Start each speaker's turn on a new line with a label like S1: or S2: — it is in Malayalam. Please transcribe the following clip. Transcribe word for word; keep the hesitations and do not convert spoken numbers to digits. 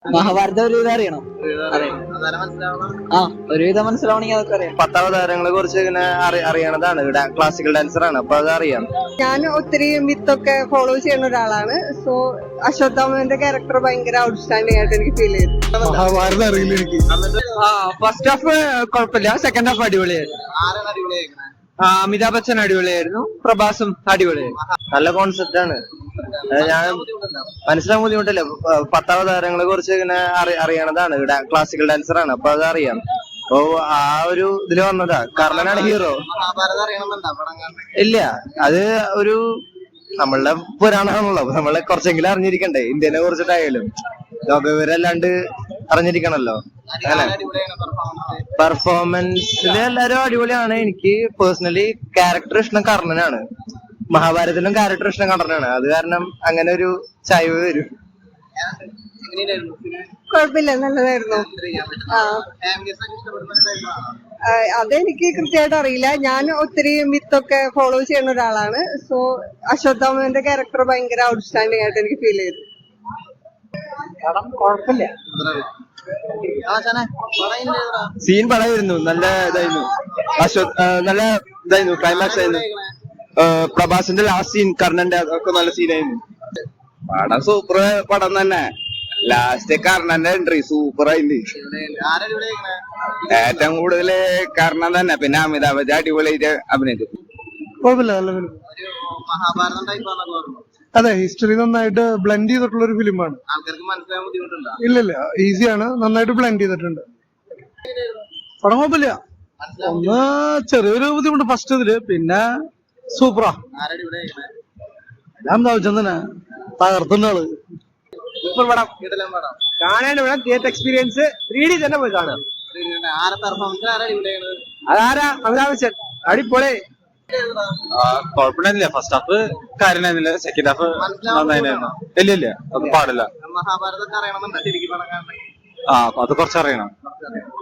S1: മഹാഭാരതം ഒരുവിധം അറിയണം. അതെ, ആ ഒരുവിധം മനസ്സിലാവണമെങ്കിൽ അതൊക്കെ അറിയാം.
S2: പത്താവതാരങ്ങളെ കുറിച്ച് ഇങ്ങനെ അറിയണതാണ്. ക്ലാസിക്കൽ ഡാൻസർ ആണ്, അപ്പൊ അത് അറിയാം.
S3: ഞാൻ ഒത്തിരി മിത്തൊക്കെ ഫോളോ ചെയ്യുന്ന ഒരാളാണ്. സോ അശ്വത്ഥാമന്റെ ക്യാരക്ടർ ഭയങ്കര ഔട്ട്സ്റ്റാൻഡിംഗ് ആയിട്ട് എനിക്ക് ഫീൽ ചെയ്തു.
S4: മഹാഭാരതം അറിയില്ല എനിക്ക്.
S1: ഫസ്റ്റ് ഹാഫ് കുഴപ്പമില്ല, സെക്കൻഡ് ഹാഫ് അടിപൊളിയായിരുന്നു. അമിതാഭ് ബച്ചൻ അടിപൊളിയായിരുന്നു, പ്രഭാസും അടിപൊളിയായിരുന്നു.
S2: നല്ല കോൺസെപ്റ്റ് ആണ്. ഞാൻ മനസ്സിലാക്കാൻ ബുദ്ധിമുട്ടില്ല. പത്താവതാരങ്ങളെ കുറിച്ച് ഇങ്ങനെ അറിയണതാണ്. ക്ലാസിക്കൽ ഡാൻസർ ആണ്, അപ്പൊ അത് അറിയാം. അപ്പൊ ആ ഒരു ഇതില് വന്നതാ. കർണനാണ് ഹീറോ. ഇല്ല, അത് ഒരു നമ്മളുടെ പുരാണമാണല്ലോ, അപ്പൊ നമ്മളെ കുറച്ചെങ്കിലും അറിഞ്ഞിരിക്കണ്ടേ ഇന്ത്യനെ കുറിച്ചിട്ടായാലും. ലോകവിവരല്ലാണ്ട് അറിഞ്ഞിരിക്കണല്ലോ. അങ്ങനെ പെർഫോമൻസിൽ എല്ലാരും അടിപൊളിയാണ്. എനിക്ക് പേഴ്സണലി ക്യാരക്ടർ ഇഷ്ടം കർണനാണ്. മഹാഭാരതത്തിലും ക്യാരക്ടർ ഇഷ്ടം കർണനാണ്. അത് കാരണം അങ്ങനെ ഒരു ചായ്വ് വരും.
S3: കുഴപ്പമില്ല, നല്ലതായിരുന്നു. ആ അതെനിക്ക് കൃത്യമായിട്ട് അറിയില്ല. ഞാൻ ഒത്തിരി മിത്തൊക്കെ ഫോളോ ചെയ്യുന്ന ഒരാളാണ്. സോ അശ്വത്ഥാമന്റെ ക്യാരക്ടർ ഭയങ്കര ഔട്ട്സ്റ്റാൻഡിംഗ് ആയിട്ട് എനിക്ക് ഫീൽ ചെയ്തു.
S1: കുഴപ്പമില്ല,
S2: സീൻ പടമായിരുന്നു. നല്ല ഇതായിരുന്നു. അശ്വത് നല്ല ഇതായിരുന്നു. ക്ലൈമാക്സ് ആയിരുന്നു. പ്രഭാസിന്റെ ലാസ്റ്റ് സീൻ, കർണന്റെ, അതൊക്കെ നല്ല സീനായിരുന്നു.
S4: പടം സൂപ്പർ പടം തന്നെ. ലാസ്റ്റ് കർണന്റെ എൻട്രി സൂപ്പർ ആയില്ലേ. ഏറ്റവും കൂടുതൽ കർണൻ തന്നെ. പിന്നെ അമിതാഭ് ബച്ചൻ അടിപൊളിയായിട്ട് അഭിനയിച്ചു.
S5: കുഴപ്പമില്ല, നല്ല ഫിലിം. അതെ, ഹിസ്റ്ററി നന്നായിട്ട് ബ്ലെൻഡ് ചെയ്തിട്ടുള്ള ഒരു ഫിലിമാണ്. ഇല്ല ഇല്ല, ഈസിയാണ്. നന്നായിട്ട് ബ്ലെൻഡ് ചെയ്തിട്ടുണ്ട്. പടം കുഴപ്പമില്ല. ഒന്ന് ചെറിയൊരു ബുദ്ധിമുട്ട് ഫസ്റ്റ് ഇതില്, പിന്നെ സൂപ്പറാ. ഞാൻ ബച്ചൻ തന്നെ തകർത്തുന്ന ആള്.
S1: സൂപ്പർ പടം, കാണാൻ വേണം. തിയേറ്റർ എക്സ്പീരിയൻസ് ത്രീ ഡി തന്നെ പോയി കാണാം. അതാരാ? അമിതാഭ് ബച്ചൻ അടിപൊളി.
S4: കുഴപ്പമില്ല. ഫസ്റ്റ് ഹാഫ് കാര്യമായിരുന്നില്ല, സെക്കൻഡ് ഹാഫ് നന്നായിരുന്നു. ഇല്ല ഇല്ല, അത് പാടില്ല. ആ അത് കുറച്ചറിയണം.